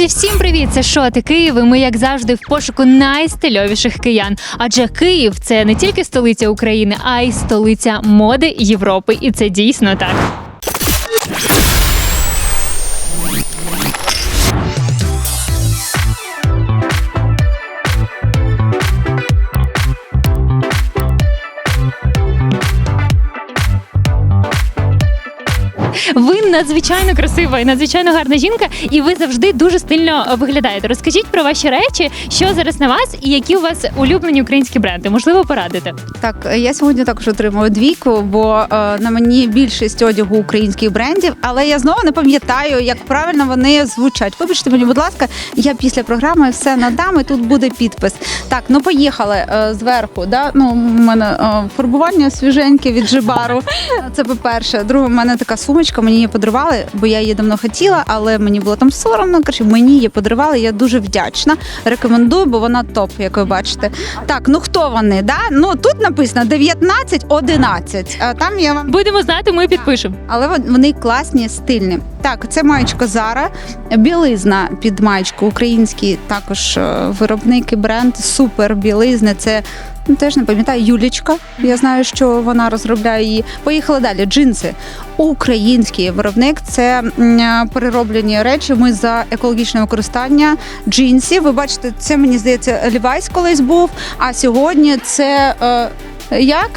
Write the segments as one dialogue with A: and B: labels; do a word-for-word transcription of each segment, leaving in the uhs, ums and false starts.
A: всім привіт! Це Шоти Київ, і ми, як завжди, в пошуку найстильовіших киян. Адже Київ – це не тільки столиця України, а й столиця моди Європи. І це дійсно так. Ви надзвичайно красива і надзвичайно гарна жінка, і ви завжди дуже стильно виглядаєте. Розкажіть про ваші речі, що зараз на вас і які у вас улюблені українські бренди. Можливо, порадите?
B: Так, я сьогодні також отримую двійку, бо е, на мені більшість одягу українських брендів, але я знову не пам'ятаю, як правильно вони звучать. Вибачте мені, будь ласка, я після програми все надам, і тут буде підпис. Так, ну поїхали е, зверху. Да? Ну, у мене е, фарбування свіженьке від Жибару. Це по-перше. Друге, у мене така сумочка, мені її подарували, бо я її давно хотіла, але мені було там соромно. Коротше, мені її подарували, я дуже вдячна. Рекомендую, бо вона топ, як ви бачите. Так, ну хто вони, да? Ну, тут написано дев'ятнадцять одинадцять, а там я вам...
A: Будемо знати, ми підпишемо.
B: Але вони класні, стильні. Так, це маєчка Zara, білизна під маєчку, український також виробник і бренд, супер білизни, це... Ну, теж не пам'ятаю, Юлічка. Я знаю, що вона розробляє її. Поїхали далі. Джинси. Український виробник. Це м, перероблені речі. Ми за екологічне використання джинсів. Ви бачите, це, мені здається, Levi's колись був. А сьогодні це... Е, як?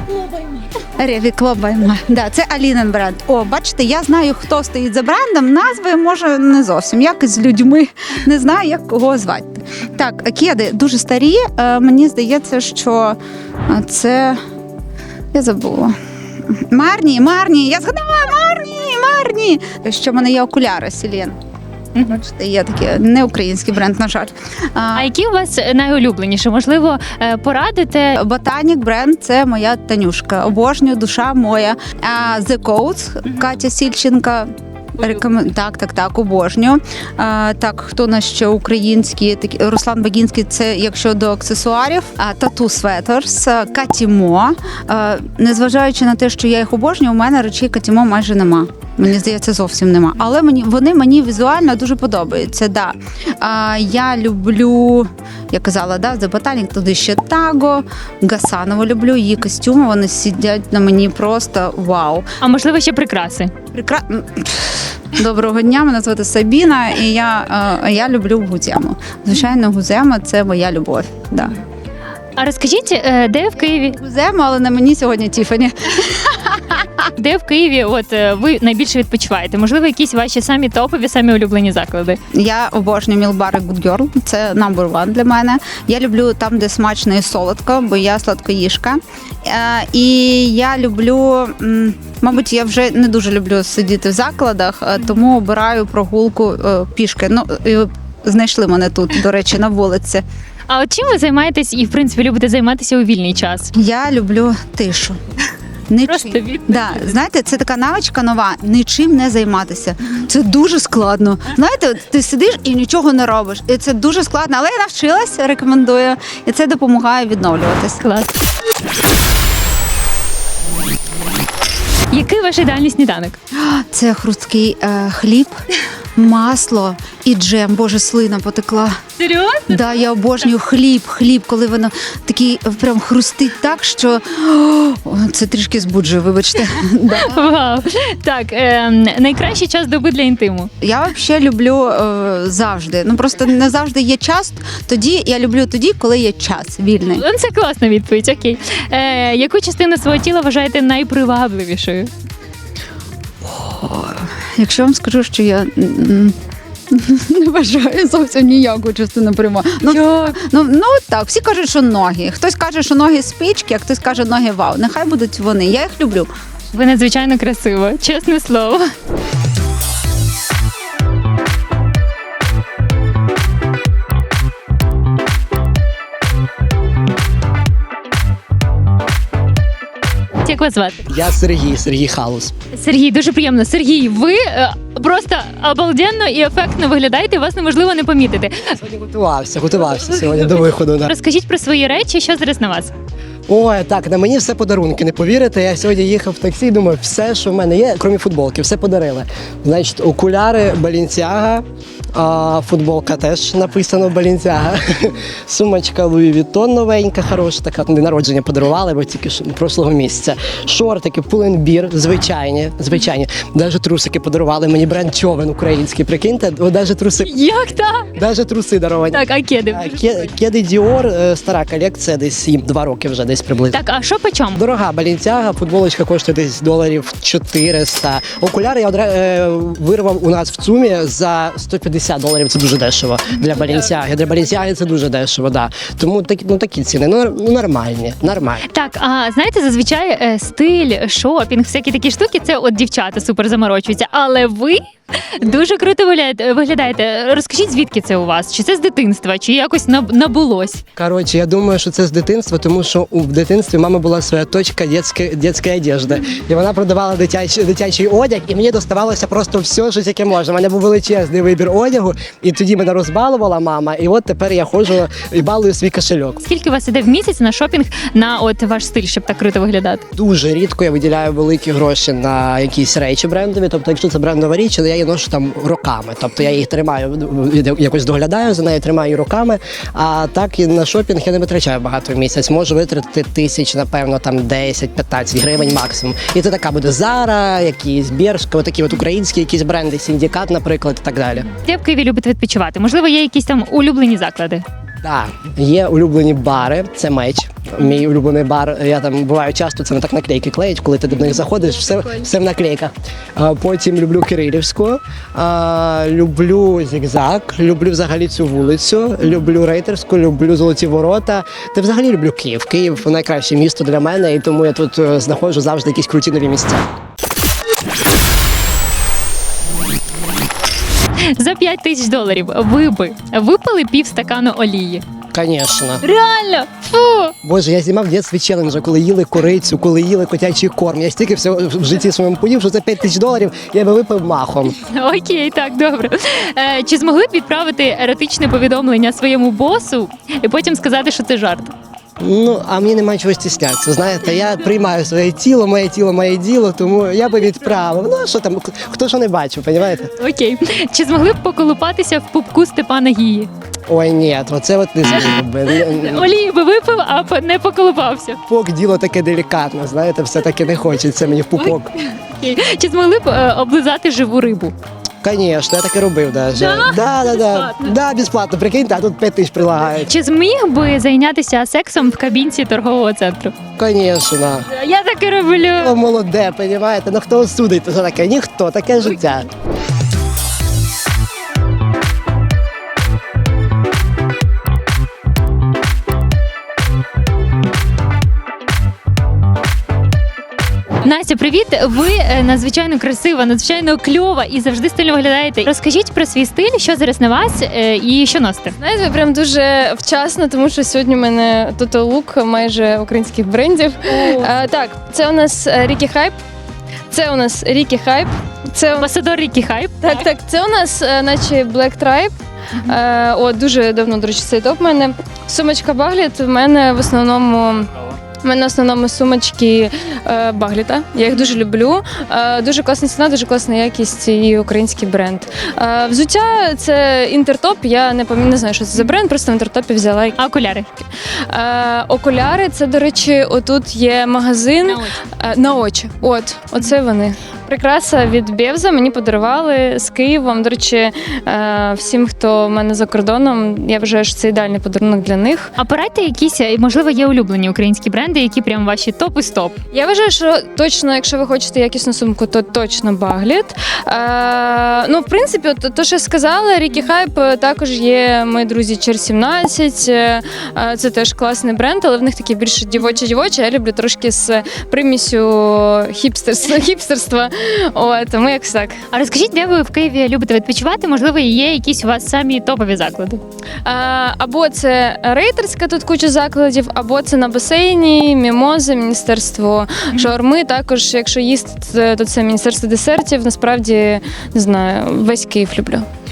B: Ревікло. Да, це Алінин бренд. О, бачите, я знаю, хто стоїть за брендом. Назви, може, не зовсім. Як з людьми. Не знаю, як кого звати. Так, кеди дуже старі. Мені здається, що це... Я забула. Марні, Марні. Я згадала, Марні, Марні. Ще в мене є окуляри, Селен. Бачите, є такий не український бренд, на жаль.
A: А які у вас найулюбленіші? Можливо, порадите?
B: Ботанік бренд – це моя Танюшка. Обожнюю, душа моя. The Coats, Катя Сільченка. Рекомен... Так, так, так, обожнюю. А, так, хто на ще українські? Такі... Руслан Багінський, це якщо до аксесуарів. А, Tattoo Sweaters, Катімо. А, незважаючи на те, що я їх обожнюю, у мене речей Катімо майже нема. Мені здається, зовсім нема. Але мені, вони мені візуально дуже подобаються. Да. А, я люблю, я казала, да, The Botanic, туди ще Таго, Гасанову люблю, її костюми, вони сидять на мені просто вау.
A: А можливо, ще прикраси?
B: Прикра... Доброго дня, мене звати Сабіна, і я, е, я люблю Гузему. Звичайно, Гузема – це моя любов. Да.
A: А розкажіть, де в Києві?
B: Гузема, але на мені сьогодні Тіфані.
A: Де в Києві от ви найбільше відпочиваєте? Можливо, якісь ваші самі топові, самі улюблені заклади?
B: Я обожнюю Мілбар і Good Girl. Це number one для мене. Я люблю там, де смачно і солодко, бо я сладкоїжка. І я люблю, мабуть, я вже не дуже люблю сидіти в закладах, тому обираю прогулку пішки. Ну, знайшли мене тут, до речі, на вулиці.
A: А от чим ви займаєтесь і, в принципі, любите займатися у вільний час?
B: Я люблю тишу. Нічим.
A: Просто відповідь.
B: Да, знаєте, це така навичка нова, нічим не займатися. Це дуже складно. Знаєте, ти сидиш і нічого не робиш. І це дуже складно, але я навчилась, рекомендую. І це допомагає відновлюватись.
A: Клас. Який ваш ідеальний сніданок?
B: Це хрусткий е, хліб, масло і джем. Боже, слина потекла.
A: Серйозно?
B: Да, я обожнюю хліб, хліб, коли воно такий прям хрустить так, що о, це трішки збуджує, вибачте. Да.
A: Вау. Так, е, найкращий час доби для інтиму?
B: Я взагалі люблю е, завжди. Ну просто не завжди є час. Тоді я люблю тоді, коли є час вільний.
A: Це класна відповідь, окей. Е, яку частину свого тіла вважаєте найпривабливішою?
B: О, якщо вам скажу, що я не вважаю зовсім ніяку частину прямо. Ну, ну, ну так, всі кажуть, що ноги. Хтось каже, що ноги спички, а хтось каже, ноги вау. Нехай будуть вони. Я їх люблю.
A: Ви надзвичайно красиво, чесне слово. Як вас звати?
C: Я Сергій, Сергій Халус.
A: Сергій, дуже приємно. Сергій, ви е, просто обалденно і ефектно виглядаєте, вас неможливо не помітити.
C: Сьогодні готувався, готувався сьогодні до виходу. Да.
A: Розкажіть про свої речі, що зараз на вас?
C: Ой, так, на мені все подарунки, не повірите. Я сьогодні їхав в таксі, думаю, все, що в мене є, крім футболки, все подарили. Значить, окуляри Balenciaga, а, футболка теж написано Balenciaga, сумочка Louis Vuitton новенька, хороша, така на день народження подарували, бо тільки що прошлого місяця. Шортики, Pull&Bear, звичайні, звичайні. Навіть трусики подарували мені бренд Човен український, прикиньте, навіть труси,
A: Як так?
C: навіть труси даровані.
A: Так, а кеди?
C: А, ке- Кеди Dior, е, стара колекція, десь сім, два роки вже десь приблизно.
A: Так, а що по чому?
C: Дорога Balenciaga, футболочка коштує десь доларів чотириста. Окуляри я одра... е, вирвав у нас в ЦУМі за сто п'ятдесят доларів, це дуже дешево для Balenciaga. Для Balenciaga це дуже дешево, да. Тому так, ну, такі ціни, ну, ну нормальні, нормальні.
A: Так, а знаєте, зазвичай е, стиль, шопінг, всякі такі штуки, це от дівчата супер заморочуються. Але ви дуже круто вигляд- виглядаєте. Розкажіть, звідки це у вас? Чи це з дитинства, чи якось наб- набулось?
C: Коротше, я думаю, що це з дитинства, тому що у в дитинстві мама була своя точка дитячої, дитячої одежди. І вона продавала дитячий, дитячий одяг, і мені доставалося просто все, що тільки можна. У мене був величезний вибір одягу, і тоді мене розбалувала мама, і от тепер я ходжу і балую свій кошельок.
A: Скільки у вас іде в місяць на шопінг на от ваш стиль, щоб так круто виглядати?
C: Дуже рідко я виділяю великі гроші на якісь речі брендові. Тобто, якщо це брендова річ, то я її ношу там роками. Тобто я їх тримаю, якось доглядаю за нею, тримаю її роками. А так і на шопінг я не витрачаю багато в місяць. Можу витратити тисяч, напевно, там десять-п'ятнадцять гривень максимум. І це така буде Zara, якісь Bershka, такі от українські якісь бренди, Сіндікат, наприклад, і так далі.
A: Де в Києві любите відпочивати? Можливо, є якісь там улюблені заклади?
C: Так, є улюблені бари, це меч. Мій улюблений бар. Я там буваю часто, це не так наклейки клеять, коли ти до них заходиш, все, все в наклейках. А, потім люблю Кирилівську, а, люблю Зігзаг, люблю взагалі цю вулицю, люблю Рейтерську, люблю Золоті Ворота. Та взагалі люблю Київ. Київ найкраще місто для мене, і тому я тут е, знаходжу завжди якісь круті нові місця.
A: За п'ять тисяч доларів ви би випили пів стакану олії.
C: Звісно.
A: Реально? Фу!
C: Боже, я знімав в дитинстві челенджа, коли їли корицю, коли їли котячий корм. Я стільки всього в житті своєму поїв, що за п'ять тисяч доларів я би випив махом.
A: Окей, так, добре. Е, чи змогли б відправити еротичне повідомлення своєму босу і потім сказати, що це жарт?
C: Ну, а мені немає чого стіснятися. Знаєте, я приймаю своє тіло, моє тіло, моє діло, тому я би відправив. Ну, а що там, хто що не бачив, розумієте?
A: Окей. Чи змогли б поколупатися в пупку Степана Гії?
C: Ой, ні, оце от не зміг би.
A: Олії би випив, а п- не поколупався.
C: Пупок діло таке делікатне, знаєте, все-таки не хочеться мені в пупок.
A: Окей. Чи змогли б е, облизати живу рибу?
C: Звісно, я так і робив навіть.
A: Да?
C: Да, да, да.
A: Безплатно?
C: Да, безплатно, прикиньте, а тут п'ять тисяч прилагають.
A: Чи зміг би зайнятися сексом в кабінці торгового центру?
C: Звісно.
A: Я так і роблю.
C: О, молоде, розумієте? Ну хто осудить за таке? Ніхто, таке життя.
A: Настя, привіт! Ви е, надзвичайно красива, надзвичайно кльова і завжди стильно виглядаєте. Розкажіть про свій стиль, що зараз на вас е, і що носите?
D: Знаєте, прям дуже вчасно, тому що сьогодні в мене Total Look майже українських брендів. А, так, це у нас Рікі Хайп. Це у нас Рікі Хайп. Це у...
A: Амбасадор Рікі Хайп.
D: Так, так, це у нас е, наче Black Tribe. Е, о, дуже давно, до речі, цей топ в мене. Сумочка Багліт в мене в основному. У мене в основному сумочки е, Багліта. Я їх дуже люблю. Е, дуже класна ціна, дуже класна якість і український бренд. Е, взуття це інтертоп. Я не пам'ятаю, не знаю, що це за бренд, просто в інтертопі взяла.
A: А окуляри?
D: Е, окуляри, це, до речі, отут є магазин
A: На очі.
D: е, на очі. От, оце вони. Прикраса від Бевза мені подарували з Києвом. До речі, е, всім, хто в мене за кордоном, я вважаю, що це ідеальний подарунок для них.
A: А порадьте якісь, е, можливо, є улюблені українські бренди, які прям ваші топ і стоп.
D: Я вважаю, що точно, якщо ви хочете якісну сумку, то точно Багліт. Е, ну, в принципі, от, то, що я сказала, Рікі Хайп також є мої друзі Чер сімнадцять. Е, це теж класний бренд, але в них такі більше дівочі-дівочі. Я люблю трошки з примісю хіпстерства. хіпстерства. О, тому якось так.
A: А розкажіть, де ви в Києві любите відпочивати? Можливо, є якісь у вас самі топові заклади?
D: Е, або це рейтерська, тут куча закладів, або це на басейні, мімози, міністерство шаурми. Також, якщо їсти, то це міністерство десертів. Насправді, не знаю, весь Київ люблю.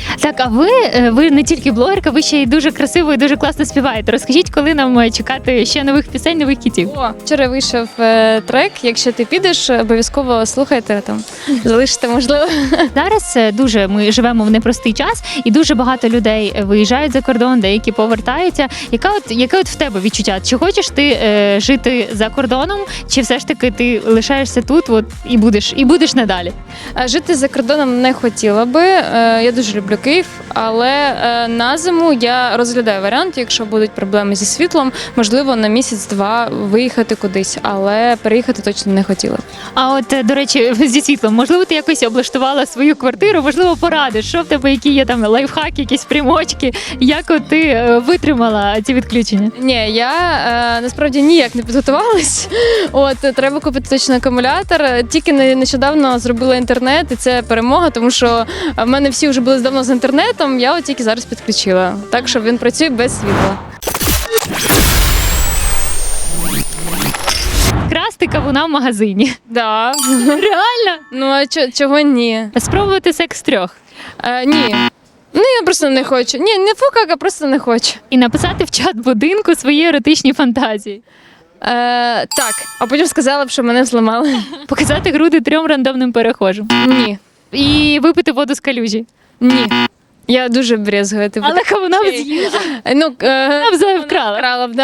A: Так, а ви, е, ви не тільки блогерка, ви ще й дуже красиво і дуже класно співаєте. Розкажіть, коли нам е, чекати ще нових пісень, нових хітів?
D: О, вчора вийшов е, трек. Якщо ти підеш, обов'язково слухайте там, залишите, можливо.
A: Зараз е, дуже ми живемо в непростий час, і дуже багато людей е, виїжджають за кордон, деякі повертаються. Яка от яке от в тебе відчуття? Чи хочеш ти е, жити за кордоном, чи все ж таки ти лишаєшся тут, от і будеш і будеш надалі?
D: Е, Жити за кордоном не хотіла би. Е, Я дуже люблю Київ, але е, на зиму я розглядаю варіант, якщо будуть проблеми зі світлом, можливо, на місяць-два виїхати кудись, але переїхати точно не хотіла.
A: А от е, до речі, зі світлом, можливо, ти якось облаштувала свою квартиру, можливо, порадиш, що в тебе, які є там лайфхаки, якісь примочки, як от ти е, витримала ці відключення?
D: Ні, я е, насправді ніяк не підготувалась. От треба купити точно акумулятор. Тільки не- нещодавно зробила інтернет, і це перемога, тому що в мене всі вже були давно з інтернетом. Я от тільки зараз підключила. Так що він працює без світла.
A: Красти кавуна в магазині.
D: Да.
A: Реально?
D: Ну а чо- чого ні?
A: Спробувати секс трьох.
D: Е, ні. Ну я просто не хочу. Ні, не фукак, а просто не хочу.
A: І написати в чат будинку свої еротичні фантазії.
D: Е, так, а потім сказала б, що мене зламали.
A: Показати груди трьом рандомним перехожим.
D: Ні.
A: І випити воду з калюжі.
D: Ні. Я дуже брезгую. Типу,
A: Але кавуна б
D: Окей.
A: з'їла.
D: ну, е,
A: Вона б зоя вкрала.
D: Крала б, да.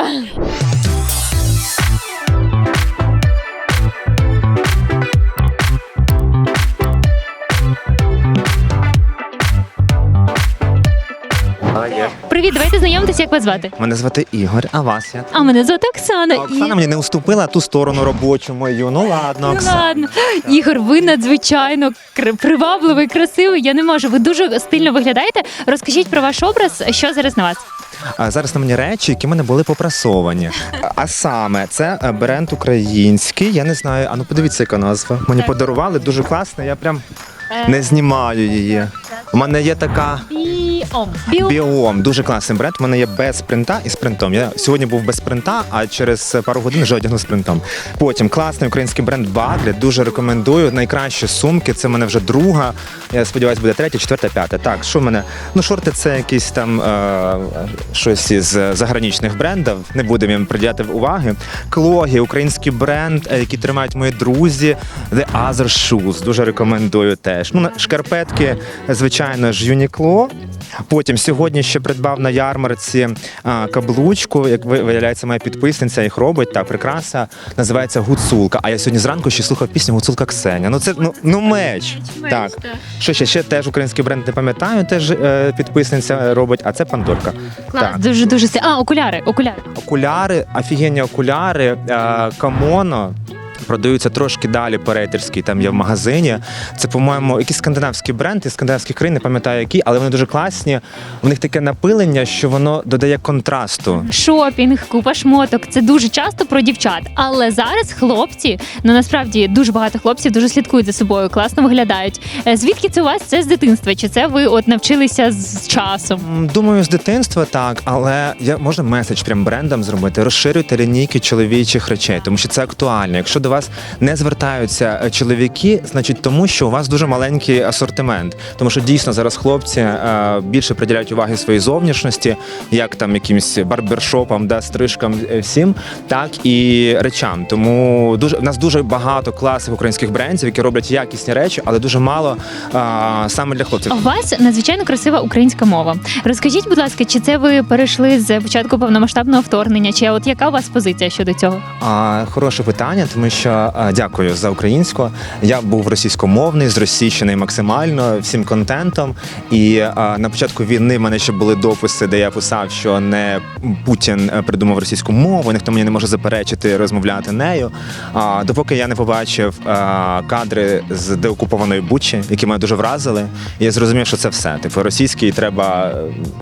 A: Привіт, давайте знайомитися, як вас звати.
E: Мене звати Ігор, а вас як?
A: А мене звати Оксана.
E: А Оксана мені не уступила ту сторону робочу мою. Ну ладно,
A: Ну
E: Оксана.
A: ладно. Ігор, ви надзвичайно кр- привабливий, красивий. Я не можу. Ви дуже стильно виглядаєте. Розкажіть про ваш образ, що зараз на вас.
E: А зараз на мені речі, які в мене були попрасовані. А- А саме, це е, бренд український. Я не знаю, а ну подивіться, яка назва. Мені подарували, дуже класно, я прям не знімаю її. У мене є така
A: Біом. Біом.
E: біом, дуже класний бренд. У мене є без принта і з принтом. Я сьогодні був без принта, а через пару годин вже одягну з принтом. Потім класний український бренд Баглі, дуже рекомендую. Найкращі сумки. Це в мене вже друга. Я сподіваюся, буде третя, четверта, п'ята. Так, що в мене? Ну, шорти це якісь там е- щось із заграничних брендів. Не будемо їм приділяти уваги. Клогі, український бренд, е, який тримають мої друзі. The Other Shoes. Дуже рекомендую теж. Ну, на- шкарпетки, звичайно ж, Uniqlo. Потім сьогодні ще придбав на ярмарці а, каблучку, як ви- виявляється, моя підписниця їх робить, так, прикраса, називається Гуцулка. А я сьогодні зранку ще слухав пісню Гуцулка Ксеня. Ну це ну, ну меч. Так. Що ще? Ще теж український бренд не пам'ятаю, теж е, підписниця робить, а це Пандорка.
A: Клас,
E: Так.
A: дуже дуже си- А, окуляри, окуляри.
E: Окуляри, офігенні окуляри, е, камоно. Продаються трошки далі по рейтерській, там є в магазині. Це, по-моєму, якийсь скандинавський бренд із скандинавських країн, не пам'ятаю які, але вони дуже класні. В них таке напилення, що воно додає контрасту.
A: Шопінг, купа шмоток. Це дуже часто про дівчат. Але зараз хлопці, ну насправді дуже багато хлопців дуже слідкують за собою, класно виглядають. Е, Звідки це у вас? Це з дитинства? Чи це ви от навчилися з часом?
E: М, Думаю, з дитинства так, але я можна меседж прям брендам зробити. Розширюйте лінійки чоловічих речей, тому що це актуально. Якщо до вас не звертаються е, чоловіки, значить тому, що у вас дуже маленький асортимент. Тому що дійсно зараз хлопці е, більше приділяють уваги своїй зовнішності, як там якимсь барбершопам, да, стрижкам, е, всім, так і речам. Тому дуже в нас дуже багато класних українських брендів, які роблять якісні речі, але дуже мало е, саме для хлопців.
A: У вас надзвичайно красива українська мова. Розкажіть, будь ласка, чи це ви перейшли з початку повномасштабного вторгнення? Чи от яка у вас позиція щодо цього?
E: А, хороше питання, тому що а, дякую за українську. Я був російськомовний, зросійщений максимально всім контентом. І а, на початку війни в мене ще були дописи, де я писав, що не Путін е, придумав російську мову, ніхто мені не може заперечити розмовляти нею. А, допоки я не побачив а, кадри з деокупованої Бучі, які мене дуже вразили, і я зрозумів, що це все. Типу, російський треба.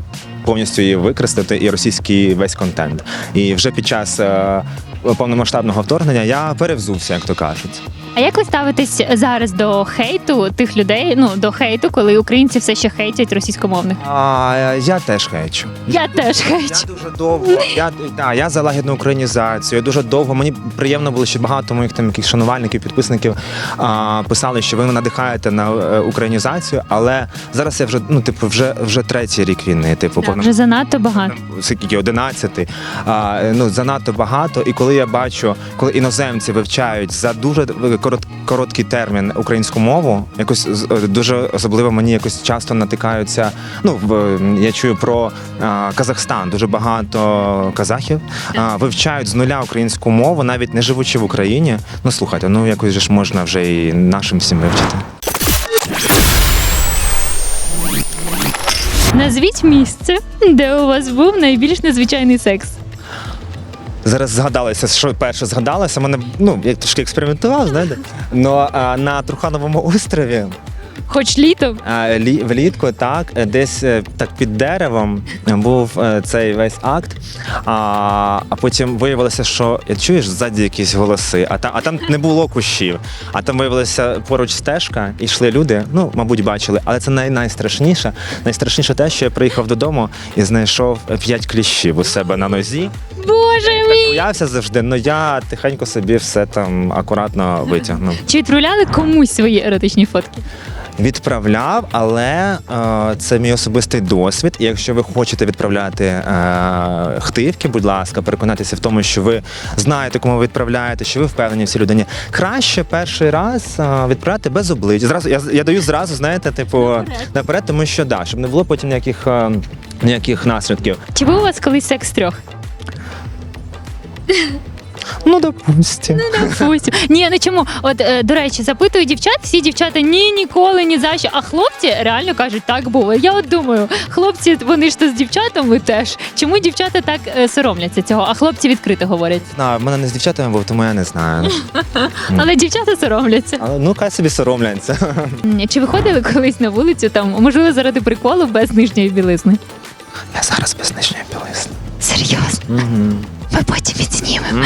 E: повністю її використати і російський весь контент. І вже під час е, повномасштабного вторгнення я перевзувся, як то кажуть.
A: А як ви ставитесь зараз до хейту тих людей? Ну до хейту, коли українці все ще хейтять російськомовних?
E: А, я теж хейчу.
A: Я теж хейчу.
E: Я дуже довго. Я, да, я за лагідну українізацію. Я дуже довго. Мені приємно було, що багато моїх там яких шанувальників, підписників а, писали, що ви надихаєте на е, українізацію, але зараз я вже ну типу вже вже третій рік війни. Типу,
A: Так, вже занадто багато.
E: скільки одинадцятий. А, ну занадто багато. І коли я бачу, коли іноземці вивчають за дуже корот, короткий термін українську мову, якось з- дуже особливо мені якось часто натикаються. Ну в я чую про а, Казахстан. Дуже багато казахів а, вивчають з нуля українську мову, навіть не живучи в Україні. Ну слухайте, ну якось же ж можна вже і нашим всім вивчити.
A: Назвіть місце, де у вас був найбільш незвичайний секс.
E: Зараз згадалося, що перше згадалося. Мене ну я трошки експериментував, знаєте. Но а, на Трухановому острові.
A: Хоч літом.
E: А, лі- Влітку, так, е, десь е, так під деревом був е, цей весь акт. А, а потім виявилося, що я чуєш ззаді якісь голоси, а там, а там не було кущів. А там виявилася поруч стежка, і йшли люди. Ну, мабуть, бачили. Але це най- найстрашніше. Найстрашніше те, що я приїхав додому і знайшов п'ять кліщів у себе на нозі.
A: Боже мій!
E: Боявся завжди, але я тихенько собі все там акуратно витягнув.
A: Чи відправляли комусь свої еротичні фотки?
E: Відправляв, але е, це мій особистий досвід. І якщо ви хочете відправляти е, хтивки, будь ласка, переконатися в тому, що ви знаєте, кому ви відправляєте, що ви впевнені в цій людині. Краще перший раз е, відправляти без обличчя. Зразу я, я даю зразу, знаєте, типу наперед, тому що да, щоб не було потім ніяких, е, ніяких наслідків.
A: Чи був у вас колись секс трьох?
E: Ну, допустим.
A: Фусь. Ні, ну чому? От, е, до речі, запитую дівчат, всі дівчата ні, ніколи, ні за що. А хлопці реально кажуть, так було. Я от думаю, хлопці, вони ж то з дівчатами теж. Чому дівчата так е, соромляться цього, а хлопці відкрито говорять?
E: На, в мене не з дівчатами був, тому я не знаю.
A: Але дівчата соромляться.
E: Але ну хай собі соромляться.
A: М, Чи виходили колись на вулицю, там, можливо, заради приколу без нижньої білизни?
E: Я зараз без нижньої білизни.
A: Серйозно?
E: Угу.
A: Ми потім відзнімемо.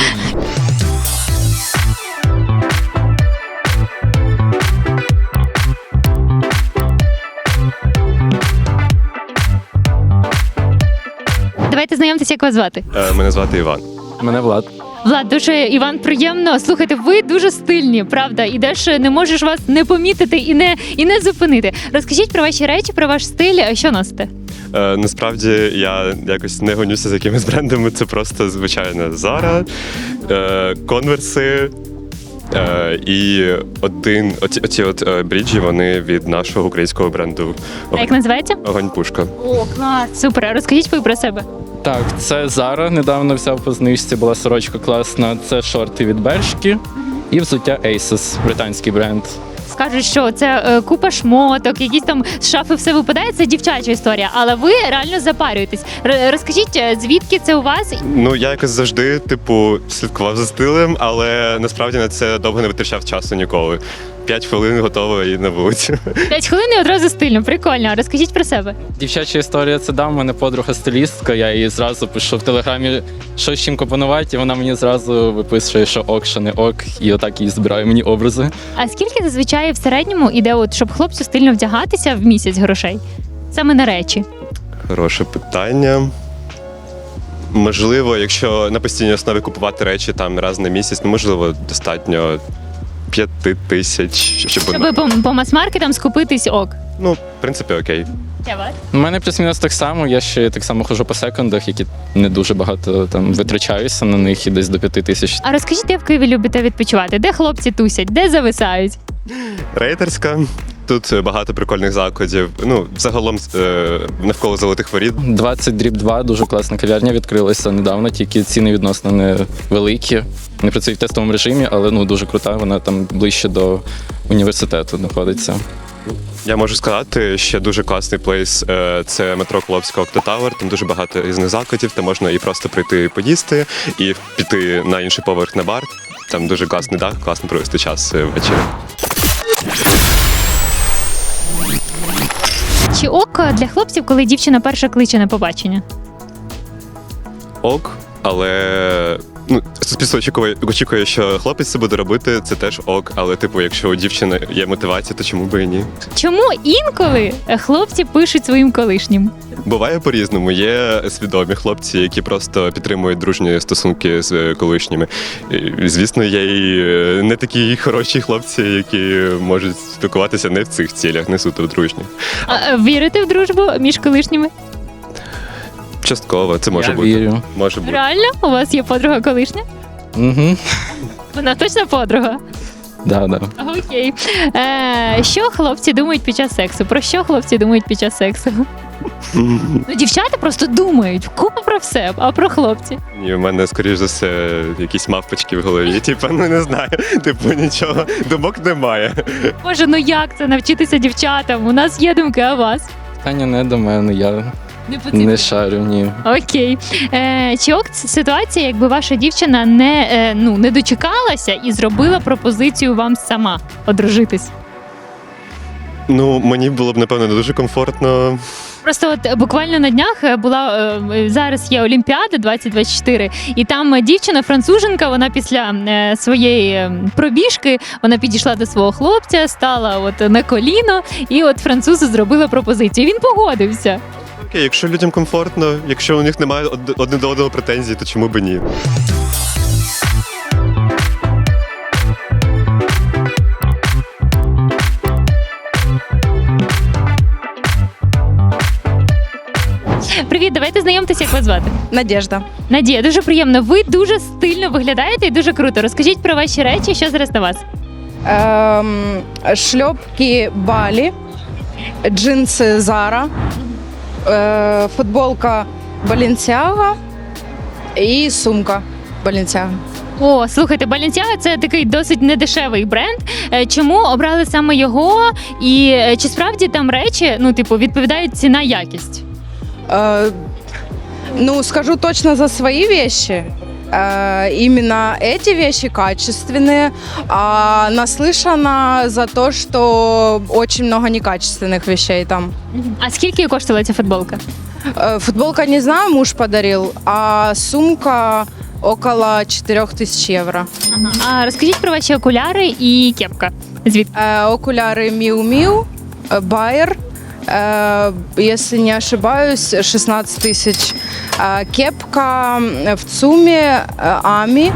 A: Давайте знайомтеся, як вас звати.
F: Е, Мене звати Іван.
G: Мене Влад.
A: Влад, дуже Іван, приємно. Слухайте, ви дуже стильні, правда. Ідеш, не можеш вас не помітити і не і не зупинити. Розкажіть про ваші речі, про ваш стиль. Що носите?
F: Е, насправді я якось не гонюся за якимись брендами. Це просто звичайно Zara, е, конверси. Е, і один оці, оці от е, бріджі, вони від нашого українського бренду
A: А як називається?
F: Огонь Пушка.
A: О, клас! Супер. А розкажіть ви про себе.
G: Так, це Zara, недавно взяв по знижці, була сорочка класна. Це шорти від Бершки і взуття Asos, британський бренд.
A: Скажуть, що це е, купа шмоток, якісь там з шафи все випадає. Це дівчача історія, але ви реально запарюєтесь. Р- розкажіть, е, звідки це у вас?
F: Ну, я якось завжди, типу, слідкував за стилем, але насправді на це довго не витрачав часу ніколи. П'ять хвилин готово і на вулицю.
A: П'ять хвилин і одразу стильно, прикольно. Розкажіть про себе.
G: Дівчача історія це дам, у мене подруга стилістка, я їй зразу пишу в телеграмі, що з чим компонувати, і вона мені зразу виписує, що ок, що не ок, і отак їй збирає мені образи.
A: А скільки зазвичай в середньому іде, от, щоб хлопцю стильно вдягатися в місяць грошей? Саме на речі.
F: Хороше питання. Можливо, якщо на постійній основі купувати речі там раз на місяць, ну, можливо, достатньо п'яти тисяч, щоб
A: Щоб по, по мас-маркетам скупитись ок.
F: ну, в принципі, окей.
G: У мене плюс-мінус так само, я ще так само ходжу по секондах, які не дуже багато там витрачаюся на них і десь до п'яти тисяч.
A: А розкажіть, де в Києві любите відпочивати? Де хлопці тусять, де зависають?
F: Рейтерська. Тут багато прикольних закладів. Ну, загалом е, навколо золотих воріт.
G: двадцять дріб два, дуже класна кав'ярня відкрилася недавно, тільки ціни відносно невеликі. Не працює в тестовому режимі, але ну дуже крута, вона там ближче до університету знаходиться.
F: Я можу сказати, ще дуже класний плейс. е, Це метро Клопська Октотавер. Там дуже багато різних закладів, де можна і просто прийти і поїсти, і піти на інший поверх на бар. Там дуже класний дах, класно провести час е, ввечері.
A: Чи ок для хлопців, коли дівчина перша кличе на побачення?
F: Ок, але ну, суспільство очікує, очікує, що хлопець це буде робити, це теж ок. Але, типу, якщо у дівчини є мотивація, то чому би і ні?
A: Чому інколи хлопці пишуть своїм колишнім?
F: Буває по-різному. Є свідомі хлопці, які просто підтримують дружні стосунки з колишніми. І, звісно, є і не такі хороші хлопці, які можуть спілкуватися не в цих цілях, не суто в дружніх.
A: А, вірите в дружбу між колишніми?
F: Частково, це може
G: Я
F: бути.
G: вірю.
F: Може бути.
A: Реально? У вас є подруга колишня?
G: Угу.
A: Вона точно подруга?
G: Да, да.
A: Окей. Е, що хлопці думають під час сексу? Про що хлопці думають під час сексу? Ну, дівчата просто думають купу про все, а про хлопці.
F: Ні, у мене, скоріш за все, якісь мавпочки в голові. Типу, ну не знаю. Типу, нічого. Думок немає.
A: Боже, ну як це навчитися дівчатам? У нас є думки, а у вас?
G: Питання не до мене, я
A: Не потрібно.
G: не шарю, ні.
A: Окей. Е, чи ок це ситуація, якби ваша дівчина не, е, ну, не дочекалася і зробила пропозицію вам сама одружитись?
F: Ну, мені було б, напевно, не дуже комфортно.
A: Просто от е, буквально на днях е, була е, зараз є Олімпіада двадцять двадцять чотири, і там е, дівчина, француженка, вона після е, своєї е, пробіжки вона підійшла до свого хлопця, стала от на коліно, і от французу зробила пропозицію. Він погодився.
F: Окей, якщо людям комфортно, якщо у них немає од- одне до одного претензій, то чому б ні?
A: Привіт, давайте знайомтеся, як вас звати.
H: Надежда.
A: Надія, дуже приємно. Ви дуже стильно виглядаєте і дуже круто. Розкажіть про ваші речі, що зараз на вас.
H: Ем, шльопки Балі, джинси Зара, е, футболка Balenciaga і сумка Balenciaga.
A: О, слухайте, Balenciaga – це такий досить недешевий бренд. Е, Чому обрали саме його? І е, чи справді там речі, ну, типу, відповідають ціна-якість?
H: Э, ну, скажу точно за свои вещи. Э, именно эти вещи качественные, а наслышана за то, что очень много некачественных вещей там.
A: А скільки коштувала ця футболка?
H: Э, футболка, не знаю, муж подарил, а сумка около четырех тысяч евро.
A: А розкажіть про ваші окуляри і кепка. Звідки?
H: Э, окуляры Miu Miu, э, Bayer, э, если не ошибаюсь, шестнадцать тысяч. Э, кепка в ЦУМе э, Ами,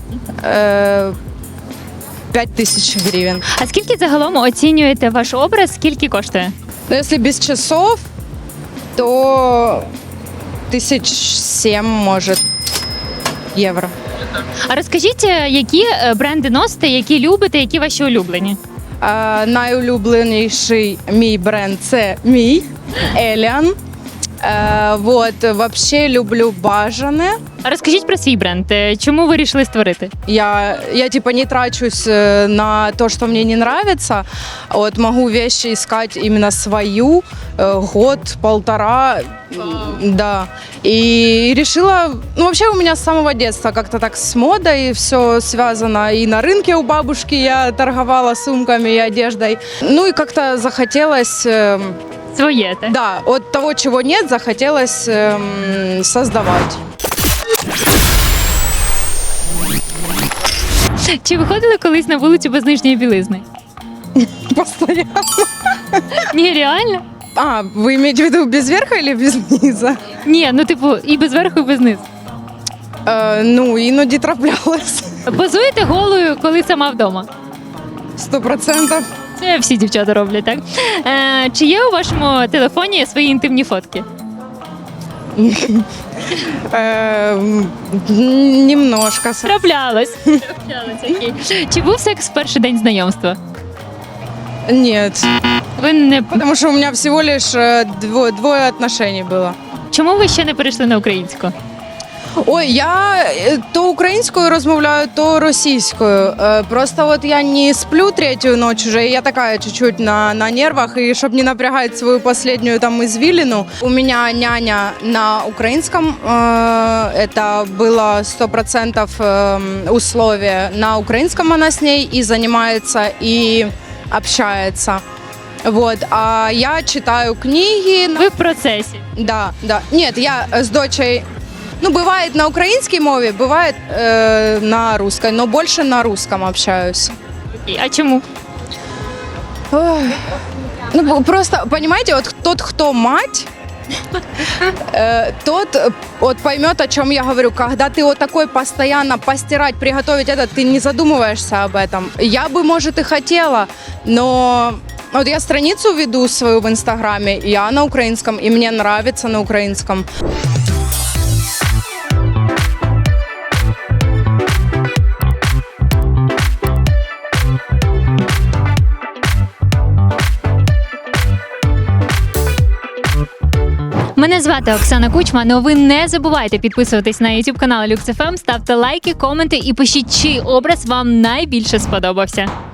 H: э, пять тысяч гривен.
A: А скільки загалом оцінюєте ваш образ? Скільки коштує?
H: Но если без часов, то тысяч семь, может, евро.
A: А розкажіть, е, які е, бренди носите, які любите, які ваші улюблені?
H: Е, найулюбленіший мій бренд це мій Еліан. Е, вот, вообще люблю бажане.
A: А розкажіть про свій бренд. Е, Чому ви вирішили створити?
H: Я, я типа не трачусь э, на то, что мне не нравится. Вот могу вещи искать именно свою э, год, полтора, м, да. И решила, ну вообще у меня с самого детства как-то так с модой все связано. И на рынке у бабушки я торговала сумками и одеждой. Ну и как-то захотелось, э,
A: Своє, так?
H: да, от того, чего нет, захотелось эм, создавать.
A: Чи виходили колись на вулицю без нижньої білизни?
H: Постоянно.
A: Ні, реально?
H: А, вы имеете в виду без верха или без низа?
A: Ні, ну типу і без верху, і без низу.
H: Е, ну, іноді траплялось.
A: Позуєте голою, коли сама вдома?
H: Сто процентів.
A: Це всі дівчата роблять, так? Е, чи є у вашому телефоні свої інтимні фотки?
H: Е, немножко.
A: Траплялось. Траплялось, окей. Чи був секс в перший день знайомства?
H: Нет.
A: Ви не
H: Потому что у меня всего лишь э, дво- двое отношений было.
A: чому ви ще не перейшли на українську?
H: Ой, я е, то українською розмовляю, то російською. Е, Просто вот я не сплю третью ночь уже, и я такая чуть-чуть на, на нервах, и чтобы не напрягать свою последнюю там извилину, у меня няня на украинском, э, это было сто процентов э, условие. На украинском она с ней и занимается, и общается. Вот, а я читаю книги.
A: Ви в процесі.
H: Да, да. Нет, я с дочей, ну, бывает на украинской мове, бывает э, на русской, но больше на русском общаюсь.
A: А чому?
H: Ой. Ну, б- просто, понимаете, вот тот, кто мать, э, тот э, вот поймет, о чем я говорю. Когда ты вот такой постоянно постирать, приготовить это, ты не задумываешься об этом. Я бы, может, и хотела, но вот я страницу веду свою в Инстаграме, я на украинском, и мне нравится на украинском.
A: Мене звати Оксана Кучма, але ви не забувайте підписуватись на YouTube канал Люкс еф ем, ставте лайки, коменти і пишіть, чий образ вам найбільше сподобався.